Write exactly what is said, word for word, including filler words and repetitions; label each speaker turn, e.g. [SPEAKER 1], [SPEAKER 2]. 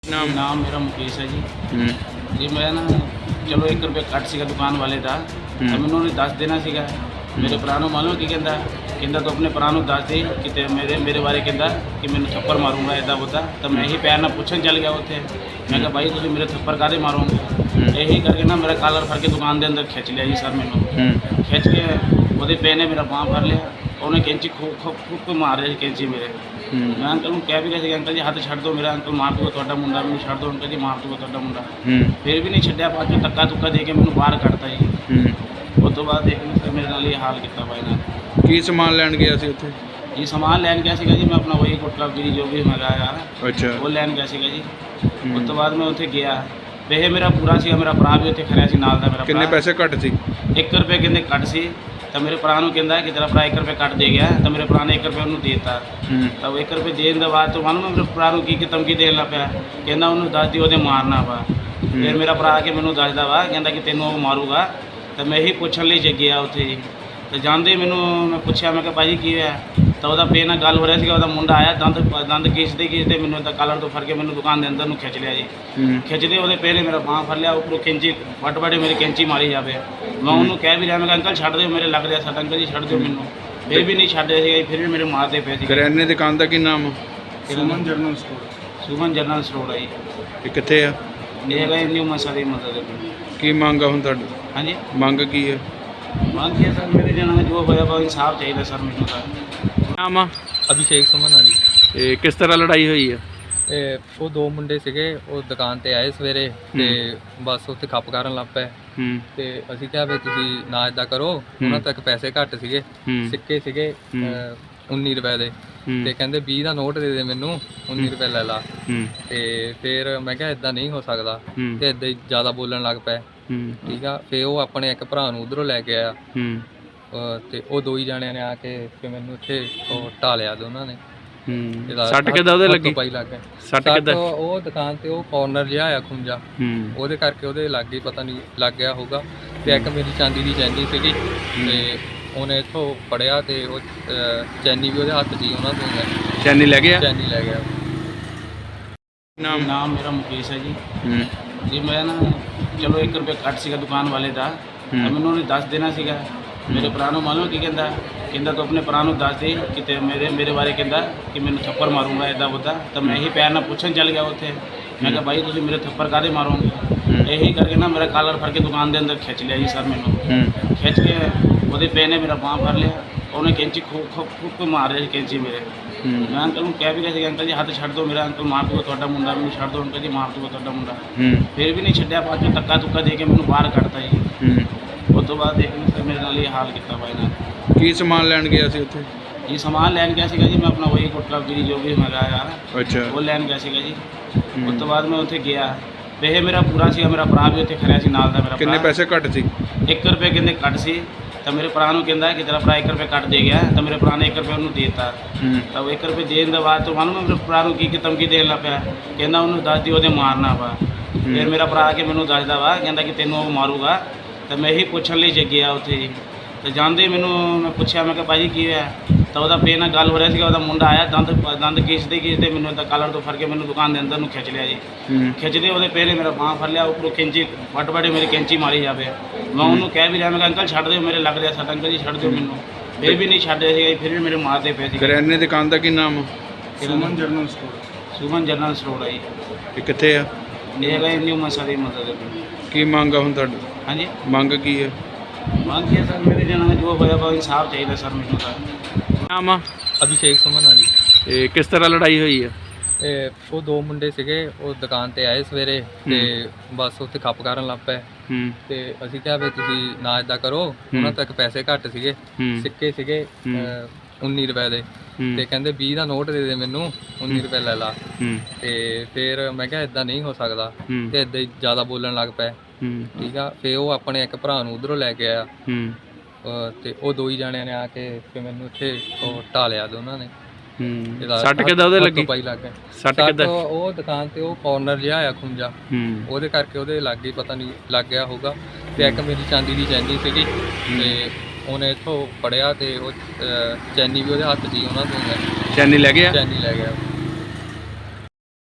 [SPEAKER 1] ਨਾਮ
[SPEAKER 2] ਨਾਮ ਮੇਰਾ ਮੁਕੇਸ਼ ਹੈ ਜੀ।
[SPEAKER 1] ਹੂੰ
[SPEAKER 2] ਜੀ ਮੈਂ ਨਾ ਚਲੋ ਇੱਕ ਰੁਪਏ ਕੱਟ ਸੀਗਾ ਦੁਕਾਨ ਵਾਲੇ ਦਾ, ਤਾਂ
[SPEAKER 1] ਹੂੰ।
[SPEAKER 2] ਮੈਨੂੰ ਉਹਨੇ ਦੱਸ ਦੇਣਾ ਸੀਗਾ। ਮੇਰੇ ਭਰਾ ਨੂੰ ਮਾਲੂਮ ਕੀ ਕਹਿੰਦਾ ਕਹਿੰਦਾ ਤੂੰ ਆਪਣੇ ਭਰਾ ਨੂੰ ਦੱਸ ਦੇ ਕਿਤੇ ਮੇਰੇ ਮੇਰੇ ਬਾਰੇ ਕਹਿੰਦਾ ਕਿ ਮੈਨੂੰ ਥੱਪੜ ਮਾਰੂੰਗਾ ਇੱਦਾਂ ਉੱਦਾਂ। ਤਾਂ ਮੈਂ ਇਹੀ ਪਿਆਰ ਨਾਲ ਪੁੱਛਣ ਚੱਲ ਗਿਆ ਉੱਥੇ। ਮੈਂ ਕਿਹਾ ਬਾਈ ਤੁਸੀਂ ਮੇਰੇ ਥੱਪੜ ਕਾਹਦੇ ਮਾਰੋਗੇ? ਇਹੀ ਕਰਕੇ ਨਾ ਮੇਰਾ ਕਾਲਰ ਫੜ ਕੇ ਦੁਕਾਨ ਦੇ ਅੰਦਰ ਖਿੱਚ ਲਿਆ ਜੀ ਸਰ ਮੈਨੂੰ।
[SPEAKER 1] ਹੂੰ
[SPEAKER 2] ਖਿੱਚ ਕੇ ਉਹਦੇ ਪੈ ਨੇ ਮੇਰਾ ਬਾਂਹ ਫੜ ਲਿਆ। ਉਹਨੇ ਕੈਂਚੀ ਖੂਬ ਖੂਬ ਖੂਬ ਮਾਰ ਰਿਹਾ ਸੀ ਕੈਂਚੀ ਮੇਰੇ।
[SPEAKER 1] ਹੂੰ
[SPEAKER 2] ਮੈਂ ਅੰਕਲ ਨੂੰ ਕਹਿ ਵੀ ਰਿਹਾ ਸੀ ਅੰਕਲ ਜੀ ਹੱਥ ਛੱਡ ਦਿਓ ਮੇਰਾ, ਅੰਕਲ ਮਾਰ ਦੂਗਾ ਤੁਹਾਡਾ ਮੁੰਡਾ, ਮੈਨੂੰ ਛੱਡ ਦਿਓ ਅੰਕਲ ਜੀ ਮਾਰ ਦੂਗਾ ਤੁਹਾਡਾ ਮੁੰਡਾ।
[SPEAKER 1] ਹੂੰ
[SPEAKER 2] ਫਿਰ ਵੀ ਨਹੀਂ ਛੱਡਿਆ, ਬਾਅਦ ਚੋਂ ਧੱਕਾ ਧੁੱਕਾ ਦੇ ਕੇ ਮੈਨੂੰ ਬਾਹਰ ਕੱਢਤਾ ਜੀ।
[SPEAKER 1] ਹੂੰ।
[SPEAKER 2] ਉਸ ਤੋਂ ਬਾਅਦ ਦੇਖ ਸਰ ਮੇਰੇ ਨਾਲ ਇਹ ਹਾਲ ਕੀਤਾ ਵਾ ਇਹਨਾਂ ਨੇ।
[SPEAKER 1] ਕੀ ਸਮਾਨ ਲੈਣ ਗਿਆ ਸੀ ਉੱਥੇ?
[SPEAKER 2] ਜੀ ਸਮਾਨ ਲੈਣ ਗਿਆ ਸੀਗਾ ਜੀ ਮੈਂ ਆਪਣਾ ਵਹੀ ਗੁਟਕਾ ਬੀੜੀ ਜੋ ਵੀ ਮੰਗਾਇਆ
[SPEAKER 1] ਅੱਛਾ।
[SPEAKER 2] ਉਹ ਲੈਣ ਗਿਆ ਸੀਗਾ ਜੀ। ਉਸ ਤੋਂ ਬਾਅਦ ਮੈਂ ਉੱਥੇ ਗਿਆ, ਪੈਸੇ ਮੇਰਾ ਪੂਰਾ ਸੀਗਾ, ਮੇਰਾ ਭਰਾ ਵੀ ਉੱਥੇ ਖੜਿਆ ਸੀ ਨਾਲ ਦਾ ਮੇਰਾ।
[SPEAKER 1] ਕਿੰਨੇ ਪੈਸੇ ਘੱਟ ਸੀ?
[SPEAKER 2] ਇੱਕ ਰੁਪਏ ਕਹਿੰਦੇ ਕੱਟ ਸੀ। ਤਾਂ ਮੇਰੇ ਭਰਾ ਨੂੰ ਕਹਿੰਦਾ ਕਿ ਤੇਰਾ ਭਰਾ ਇੱਕ ਰੁਪਏ ਕੱਟ ਦੇ ਗਿਆ। ਤਾਂ ਮੇਰੇ ਭਰਾ ਨੇ ਇੱਕ ਰੁਪਏ ਉਹਨੂੰ ਦੇ ਦਿੱਤਾ।
[SPEAKER 1] ਹੂੰ
[SPEAKER 2] ਤਾਂ ਉਹ ਇੱਕ ਰੁਪਏ ਦੇਣ ਦੇ ਬਾਅਦ ਤੋਂ ਮਾਨੂੰ ਮੇਰੇ ਭਰਾ ਨੂੰ ਕੀ ਕੀ ਧਮਕੀ ਦੇਣ ਲੱਗ ਪਿਆ। ਕਹਿੰਦਾ ਉਹਨੂੰ ਦੱਸ ਦਿਓ ਉਹਦੇ ਮਾਰਨਾ ਵਾ। ਫਿਰ ਮੇਰਾ ਭਰਾ ਆ ਕੇ ਮੈਨੂੰ ਦੱਸਦਾ ਵਾ, ਕਹਿੰਦਾ ਕਿ ਤੈਨੂੰ ਉਹ ਮਾਰੂਗਾ। ਤਾਂ ਮੈਂ ਇਹੀ ਪੁੱਛਣ ਲਈ ਜੇ ਗਿਆ ਉੱਥੇ ਜੀ। ਤਾਂ ਜਾਂਦੇ ਮੈਨੂੰ ਮੈਂ ਪੁੱਛਿਆ, ਮੈਂ ਕਿਹਾ ਭਾਜੀ ਕੀ ਹੋਇਆ? ਤਾਂ ਉਹਦਾ ਪੇ ਨਾਲ ਗੱਲ ਹੋ ਰਿਹਾ ਸੀਗਾ। ਉਹਦਾ ਮੁੰਡਾ ਆਇਆ ਦੰਦ ਦੰਦ ਖਿੱਚਦੇ ਖਿੱਚਦੇ ਮੈਨੂੰ ਇੱਦਾਂ ਕਾਲਰ ਤੋਂ ਫੜ ਕੇ ਮੈਨੂੰ ਦੁਕਾਨ ਦੇ ਅੰਦਰ ਨੂੰ ਖਿੱਚ ਲਿਆ ਜੀ।
[SPEAKER 1] ਹੂੰ
[SPEAKER 2] ਖਿੱਚਦੇ ਉਹਦੇ ਪੇ ਨੇ ਮੇਰਾ ਬਾਂਹ ਫੜ ਲਿਆ, ਉੱਪਰੋਂ ਕੈਂਚੀ ਵੱਟ ਵੱਡੇ ਮੇਰੀ ਕੈਂਚੀ ਮਾਰੀ ਜਾਵੇ। ਮੈਂ ਉਹਨੂੰ ਕਹਿ ਵੀ ਰਿਹਾ, ਮੈਂ ਕਿਹਾ ਅੰਕਲ ਛੱਡ ਦਿਓ ਮੇਰੇ ਲੱਗ ਰਿਹਾ ਸੱਟ, ਅੰਕਲ ਜੀ ਛੱਡ ਦਿਓ ਮੈਨੂੰ। ਫਿਰ ਵੀ ਨਹੀਂ ਛੱਡ ਰਿਹਾ ਸੀਗਾ, ਫਿਰ ਵੀ ਮੇਰੇ ਮਾਰਦੇ ਪਏ ਸੀ।
[SPEAKER 1] ਕਰਿਆਨੇ ਦੀ ਦੁਕਾਨ ਦਾ ਕੀ ਨਾਮ ਆ?
[SPEAKER 2] Suman general store. Suman general store ਹੈ ਜੀ।
[SPEAKER 1] ਇਹ ਕਿੱਥੇ ਆ?
[SPEAKER 2] ਇਹ ਹੈਗਾ ਨਿਊ ਮਸਾ ਦੀ ਮਦਦ ਦੇ ਕੋਲ।
[SPEAKER 1] ਕੀ ਮੰਗ ਆ ਹੁਣ ਤੁਹਾਡੀ?
[SPEAKER 2] ਹਾਂਜੀ
[SPEAKER 1] ਮੰਗ ਕੀ ਹੈ?
[SPEAKER 2] ਮੰਗ ਕੀ ਹੈ ਸਰ, ਮੇਰੇ ਜਨਾਂ ਜੋ ਹੋਇਆ ਵਾ ਇਨਸਾਫ ਚਾਹੀਦਾ ਸਰ ਮੈਨੂੰ ਤਾਂ।
[SPEAKER 1] ਨਾਮ ਆ?
[SPEAKER 3] ਅਭਿਸ਼ੇਕ ਸੁਮਨ ਆ ਜੀ।
[SPEAKER 1] ਇਹ ਕਿਸ ਤਰ੍ਹਾਂ ਲੜਾਈ ਹੋਈ ਆ?
[SPEAKER 3] ਇਹ ਉਹ ਦੋ ਮੁੰਡੇ ਸੀਗੇ, ਉਹ ਦੁਕਾਨ ਤੇ ਆਏ ਸਵੇਰੇ ਤੇ ਬਸ ਉੱਥੇ ਖੱਪ ਕਰਨ ਲੱਗ ਪਏ।
[SPEAKER 1] ਹੂੰ
[SPEAKER 3] ਤੇ ਅਸੀਂ ਕਿਹਾ ਵੀ ਤੁਸੀਂ ਨਾ ਇਦਾਂ ਕਰੋ, ਉਹਨਾਂ ਤੱਕ ਪੈਸੇ ਘੱਟ ਸੀਗੇ,
[SPEAKER 1] ਹੂੰ
[SPEAKER 3] ਸਿੱਕੇ ਸੀਗੇ ਅਹ, ਉੱਨੀ ਰੁਪਏ ਦੇ।
[SPEAKER 1] ਹੂੰ
[SPEAKER 3] ਤੇ ਕਹਿੰਦੇ ਵੀਹ ਦਾ ਨੋਟ ਦੇ ਦੇ ਮੈਨੂੰ, ਉੱਨੀ ਰੁਪਏ ਲੈ ਲਾ।
[SPEAKER 1] ਹੂੰ
[SPEAKER 3] ਤੇ ਫਿਰ ਮੈਂ ਕਿਹਾ ਇਦਾਂ ਨਹੀਂ ਹੋ ਸਕਦਾ,
[SPEAKER 1] ਹੂੰ
[SPEAKER 3] ਤੇ ਇਦਾਂ ਹੀ ਜ਼ਿਆਦਾ ਬੋਲਣ ਲੱਗ ਪਏ।
[SPEAKER 1] ਹੂੰ
[SPEAKER 3] ਠੀਕ ਆ, ਫਿਰ ਉਹ ਆਪਣੇ ਇੱਕ ਭਰਾ ਨੂੰ ਉਧਰੋਂ ਲੈ ਕੇ ਆਇਆ।
[SPEAKER 1] ਹੂੰ
[SPEAKER 3] ਅਹ, ਤੇ ਉਹ ਦੋ ਹੀ ਜਾਣਿਆਂ ਨੇ ਆ ਕੇ ਫਿਰ ਮੈਨੂੰ ਇੱਥੇ ਉਹ ਢਾਲਿਆ ਦੋਨਾਂ ਨੇ।
[SPEAKER 1] ਹੂੰ।
[SPEAKER 3] ਇਹਦਾ
[SPEAKER 1] ਸੱਟ ਕਿੱਦਾਂ ਉਹਦੇ
[SPEAKER 3] ਹੱਥ
[SPEAKER 1] ਲੱਗੀ?
[SPEAKER 3] ਪਾਈ ਲੱਗ ਗਿਆ।
[SPEAKER 1] ਸੱਟ
[SPEAKER 3] ਸੱਟ
[SPEAKER 1] ਕਿੱਦਾਂ?
[SPEAKER 3] ਉਹ ਦੁਕਾਨ ਤੇ ਉਹ ਕਾਰਨਰ ਜਿਹਾ ਆ ਖੁੰਝਾ,
[SPEAKER 1] ਹੂੰ
[SPEAKER 3] ਉਹਦੇ ਕਰਕੇ ਉਹਦੇ ਲੱਗ ਗਈ, ਪਤਾ ਨਹੀਂ ਲੱਗ ਗਿਆ ਹੋਊਗਾ। ਤੇ ਇੱਕ ਮੇਰੀ ਚਾਂਦੀ ਦੀ ਚੈਨੀ ਸੀਗੀ, ਤੇ ਉਹਨੇ ਇੱਥੋਂ ਫੜਿਆ ਤੇ ਉਹ ਅਹ, ਚੈਨੀ ਵੀ ਉਹਦੇ ਹੱਥ 'ਚ ਹੀ ਉਹਨਾਂ ਤੋਂ
[SPEAKER 1] ਚੈਨੀ ਲੈ ਗਿਆ?
[SPEAKER 3] ਚੈਨੀ ਲੈ ਗਿਆ।
[SPEAKER 1] ਨਾਮ?
[SPEAKER 2] ਨਾਮ ਮੇਰਾ ਮੁਕੇਸ਼ ਹੈ ਜੀ।
[SPEAKER 1] ਹੂੰ
[SPEAKER 2] ਜੀ ਮੈਂ ਨਾ ਚਲੋ ਇੱਕ ਰੁਪਏ ਕੱਟ ਸੀਗਾ ਦੁਕਾਨ ਵਾਲੇ ਦਾ, ਤਾਂ ਮੈਨੂੰ ਉਹਨੇ ਦੱਸ ਦੇਣਾ ਸੀਗਾ। ਮੇਰੇ ਭਰਾ ਨੂੰ ਮਾਲੂਮ ਕੀ ਕਹਿੰਦਾ ਕਹਿੰਦਾ ਤੂੰ ਆਪਣੇ ਭਰਾ ਨੂੰ ਦੱਸ ਦੇ ਕਿਤੇ ਮੇਰੇ ਮੇਰੇ ਬਾਰੇ ਕਹਿੰਦਾ ਕਿ ਮੈਨੂੰ ਥੱਪੜ ਮਾਰੂੰਗਾ ਇੱਦਾਂ ਉੱਦਾਂ। ਤਾਂ ਮੈਂ ਇਹੀ ਪਿਆਰ ਨਾਲ ਪੁੱਛਣ ਚੱਲ ਗਿਆ ਉੱਥੇ। ਮੈਂ ਕਿਹਾ ਬਾਈ ਤੁਸੀਂ ਮੇਰੇ ਥੱਪੜ ਕਾਹਦੇ ਮਾਰੋਗੇ? ਇਹੀ ਕਰਕੇ ਨਾ ਮੇਰਾ ਕਾਲਰ ਫੜ ਕੇ ਦੁਕਾਨ ਦੇ ਅੰਦਰ ਖਿੱਚ ਲਿਆ ਜੀ ਸਰ ਮੈਨੂੰ।
[SPEAKER 1] ਹੂੰ
[SPEAKER 2] ਖਿੱਚ ਕੇ ਉਹਦੇ ਪੈ ਨੇ ਮੇਰਾ ਬਾਂਹ ਫੜ ਲਿਆ। ਉਹਨੇ ਕੈਂਚੀ ਖੂਬ ਖੂਬ ਖੂਬ ਮਾਰ ਰਿਹਾ ਸੀ ਕੈਂਚੀ ਮੇਰੇ।
[SPEAKER 1] ਹੂੰ
[SPEAKER 2] ਮੈਂ ਅੰਕਲ ਨੂੰ ਕਹਿ ਵੀ ਰਿਹਾ ਸੀ ਅੰਕਲ ਜੀ ਹੱਥ ਛੱਡ ਦਿਓ ਮੇਰਾ, ਅੰਕਲ ਮਾਰ ਦੂਗਾ ਤੁਹਾਡਾ ਮੁੰਡਾ, ਮੈਨੂੰ ਛੱਡ ਦਿਓ ਅੰਕਲ ਜੀ ਮਾਰ ਦੂਗਾ ਤੁਹਾਡਾ ਮੁੰਡਾ।
[SPEAKER 1] ਹੂੰ
[SPEAKER 2] ਫਿਰ ਵੀ ਨਹੀਂ ਛੱਡਿਆ, ਬਾਅਦ ਚੋਂ ਧੱਕਾ ਧੁੱਕਾ ਦੇ ਕੇ ਮੈਨੂੰ ਬਾਹਰ ਕੱਢਤਾ ਜੀ।
[SPEAKER 1] ਹੂੰ।
[SPEAKER 2] ਉਸ ਤੋਂ ਬਾਅਦ ਦੇਖ ਸਰ ਮੇਰੇ ਨਾਲ ਇਹ ਹਾਲ ਕੀਤਾ ਵਾ ਇਹਨਾਂ ਨੇ।
[SPEAKER 1] ਕੀ ਸਮਾਨ ਲੈਣ ਗਿਆ ਸੀ ਉੱਥੇ?
[SPEAKER 2] ਜੀ ਸਮਾਨ ਲੈਣ ਗਿਆ ਸੀਗਾ ਜੀ ਮੈਂ ਆਪਣਾ ਵਹੀ ਗੁਟਕਾ ਬੀੜੀ ਜੋ ਵੀ ਮੰਗਾਇਆ
[SPEAKER 1] ਅੱਛਾ।
[SPEAKER 2] ਉਹ ਲੈਣ ਗਿਆ ਸੀਗਾ ਜੀ। ਉਸ ਤੋਂ ਬਾਅਦ ਮੈਂ ਉੱਥੇ ਗਿਆ, ਪੈਸੇ ਮੇਰਾ ਪੂਰਾ ਸੀਗਾ, ਮੇਰਾ ਭਰਾ ਵੀ ਉੱਥੇ ਖੜਿਆ ਸੀ ਨਾਲ ਦਾ ਮੇਰਾ।
[SPEAKER 1] ਕਿੰਨੇ ਪੈਸੇ ਘੱਟ ਸੀ?
[SPEAKER 2] ਇੱਕ ਰੁਪਏ ਕਹਿੰਦੇ ਕੱਟ ਸੀ। ਤਾਂ ਮੇਰੇ ਭਰਾ ਨੂੰ ਕਹਿੰਦਾ ਕਿ ਤੇਰਾ ਭਰਾ ਇੱਕ ਰੁਪਏ ਕੱਟ ਦੇ ਗਿਆ। ਤਾਂ ਮੇਰੇ ਭਰਾ ਨੇ ਇੱਕ ਰੁਪਏ ਉਹਨੂੰ ਦੇ ਦਿੱਤਾ।
[SPEAKER 1] ਹੂੰ
[SPEAKER 2] ਤਾਂ ਉਹ ਇੱਕ ਰੁਪਏ ਦੇਣ ਦੇ ਬਾਅਦ ਤੋਂ ਮਾਨੂੰ ਮੇਰੇ ਭਰਾ ਨੂੰ ਕੀ ਕੀ ਧਮਕੀ ਦੇਣ ਲੱਗ ਪਿਆ। ਕਹਿੰਦਾ ਉਹਨੂੰ ਦੱਸ ਦਿਓ ਉਹਦੇ ਮਾਰਨਾ ਵਾ। ਫਿਰ ਮੇਰਾ ਭਰਾ ਆ ਕੇ ਮੈਨੂੰ ਦੱਸਦਾ ਵਾ, ਕਹਿੰਦਾ ਕਿ ਤੈਨੂੰ ਉਹ ਮਾਰੂਗਾ। ਤਾਂ ਮੈਂ ਇਹੀ ਪੁੱਛਣ ਲਈ ਜੇ ਗਿਆ ਉੱਥੇ ਜੀ। ਤਾਂ ਜਾਂਦੇ ਮੈਨੂੰ ਮੈਂ ਪੁੱਛਿਆ, ਮੈਂ ਕਿਹਾ ਭਾਜੀ ਕੀ ਹੋਇਆ? ਤਾਂ ਉਹਦਾ ਪੇ ਨਾਲ ਗੱਲ ਹੋ ਰਿਹਾ ਸੀਗਾ। ਉਹਦਾ ਮੁੰਡਾ ਆਇਆ ਦੰਦ ਦੰਦ ਖਿੱਚਦੇ ਖਿੱਚਦੇ ਮੈਨੂੰ ਇੱਦਾਂ ਕਾਲਰ ਤੋਂ ਫੜ ਕੇ ਮੈਨੂੰ ਦੁਕਾਨ ਦੇ ਅੰਦਰ ਨੂੰ ਖਿੱਚ ਲਿਆ ਜੀ।
[SPEAKER 1] ਹੂੰ
[SPEAKER 2] ਖਿੱਚਦੇ ਉਹਦੇ ਪੇ ਨੇ ਮੇਰਾ ਬਾਂਹ ਫੜ ਲਿਆ, ਉੱਪਰੋਂ ਕੈਂਚੀ ਵੱਟ ਵੱਡੇ ਮੇਰੀ ਕੈਂਚੀ ਮਾਰੀ ਜਾਵੇ। ਮੈਂ ਉਹਨੂੰ ਕਹਿ ਵੀ ਰਿਹਾ, ਮੈਂ ਕਿਹਾ ਅੰਕਲ ਛੱਡ ਦਿਓ ਮੇਰੇ ਲੱਗ ਰਿਹਾ ਸੱਟ, ਅੰਕਲ ਜੀ ਛੱਡ ਦਿਓ ਮੈਨੂੰ। ਫਿਰ ਵੀ ਨਹੀਂ ਛੱਡ ਰਿਹਾ ਸੀਗਾ, ਫਿਰ ਵੀ ਮੇਰੇ ਮਾਰਦੇ ਪਏ ਸੀ।
[SPEAKER 1] ਕਰਿਆਨੇ ਦੀ ਦੁਕਾਨ ਦਾ ਕੀ ਨਾਮ ਆ?
[SPEAKER 2] Suman general store. Suman general store ਹੈ ਜੀ।
[SPEAKER 1] ਇਹ ਕਿੱਥੇ ਆ?
[SPEAKER 2] ਇਹ ਹੈਗਾ ਨਿਊ ਮਸਾ ਦੀ ਮਦਦ ਦੇ ਕੋਲ।
[SPEAKER 1] ਕੀ ਮੰਗ ਆ ਹੁਣ ਤੁਹਾਡੀ?
[SPEAKER 2] ਹਾਂਜੀ
[SPEAKER 1] ਮੰਗ ਕੀ ਹੈ?
[SPEAKER 2] ਮੰਗ ਕੀ ਹੈ ਸਰ, ਮੇਰੇ ਜਨਾਂ ਜੋ ਹੋਇਆ ਵਾ ਇਨਸਾਫ ਚਾਹੀਦਾ ਸਰ ਮੈਨੂੰ ਤਾਂ।
[SPEAKER 1] ਨਾਮ ਆ?
[SPEAKER 3] ਅਭਿਸ਼ੇਕ ਸੁਮਨ ਆ ਜੀ।
[SPEAKER 1] ਇਹ ਕਿਸ ਤਰ੍ਹਾਂ ਲੜਾਈ ਹੋਈ ਆ?
[SPEAKER 3] ਇਹ ਉਹ ਦੋ ਮੁੰਡੇ ਸੀਗੇ, ਉਹ ਦੁਕਾਨ ਤੇ ਆਏ ਸਵੇਰੇ ਤੇ ਬਸ ਉੱਥੇ ਖੱਪ ਕਰਨ ਲੱਗ ਪਏ।
[SPEAKER 1] ਹੂੰ
[SPEAKER 3] ਤੇ ਅਸੀਂ ਕਿਹਾ ਵੀ ਤੁਸੀਂ ਨਾ ਇਦਾਂ ਕਰੋ, ਉਹਨਾਂ ਤੱਕ ਪੈਸੇ ਘੱਟ ਸੀਗੇ,
[SPEAKER 1] ਹੂੰ
[SPEAKER 3] ਸਿੱਕੇ ਸੀਗੇ ਅਹ, ਉੱਨੀ ਰੁਪਏ ਦੇ। ਤੇ ਕਹਿੰਦੇ ਵੀਹ ਦਾ ਨੋਟ ਦੇ ਦੇ ਮੈਨੂੰ, ਉੱਨੀ ਰੁਪਏ ਲੈ ਲਾ।
[SPEAKER 1] ਹੂੰ
[SPEAKER 3] ਤੇ ਫਿਰ ਮੈਂ ਕਿਹਾ ਇਦਾਂ ਨਹੀਂ ਹੋ ਸਕਦਾ,
[SPEAKER 1] ਹੂੰ
[SPEAKER 3] ਤੇ ਇਦਾਂ ਹੀ ਜ਼ਿਆਦਾ ਬੋਲਣ ਲੱਗ ਪਏ।
[SPEAKER 1] ਹੂੰ
[SPEAKER 3] ਠੀਕ ਆ, ਫਿਰ ਉਹ ਆਪਣੇ ਇੱਕ ਭਰਾ ਨੂੰ ਉਧਰੋਂ ਲੈ ਕੇ ਆਇਆ।
[SPEAKER 1] ਹੂੰ
[SPEAKER 3] ਅਹ, ਤੇ ਉਹ ਦੋ ਹੀ ਜਾਣਿਆਂ ਨੇ ਆ ਕੇ ਫਿਰ ਮੈਨੂੰ ਇੱਥੇ ਉਹ ਢਾਲਿਆ ਦੋਨਾਂ ਨੇ।
[SPEAKER 1] ਹੂੰ।
[SPEAKER 3] ਇਹਦਾ
[SPEAKER 1] ਸੱਟ ਕਿੱਦਾਂ ਉਹਦੇ
[SPEAKER 3] ਹੱਥ
[SPEAKER 1] ਲੱਗੀ?
[SPEAKER 3] ਪਾਈ ਲੱਗ ਗਿਆ।
[SPEAKER 1] ਸੱਟ
[SPEAKER 3] ਸੱਟ
[SPEAKER 1] ਕਿੱਦਾਂ?
[SPEAKER 3] ਉਹ ਦੁਕਾਨ ਤੇ ਉਹ ਕਾਰਨਰ ਜਿਹਾ ਆ ਖੁੰਝਾ,
[SPEAKER 1] ਹੂੰ
[SPEAKER 3] ਉਹਦੇ ਕਰਕੇ ਉਹਦੇ ਲੱਗ ਗਈ, ਪਤਾ ਨਹੀਂ ਲੱਗ ਗਿਆ ਹੋਊਗਾ। ਤੇ ਇੱਕ ਮੇਰੀ ਚਾਂਦੀ ਦੀ ਚੈਨੀ ਸੀਗੀ, ਤੇ ਉਹਨੇ ਇੱਥੋਂ ਫੜਿਆ ਤੇ ਉਹ ਅਹ, ਚੈਨੀ ਵੀ ਉਹਦੇ ਹੱਥ 'ਚ ਹੀ ਉਹਨਾਂ ਤੋਂ
[SPEAKER 1] ਚੈਨੀ ਲੈ ਗਿਆ?
[SPEAKER 3] ਚੈਨੀ ਲੈ ਗਿਆ।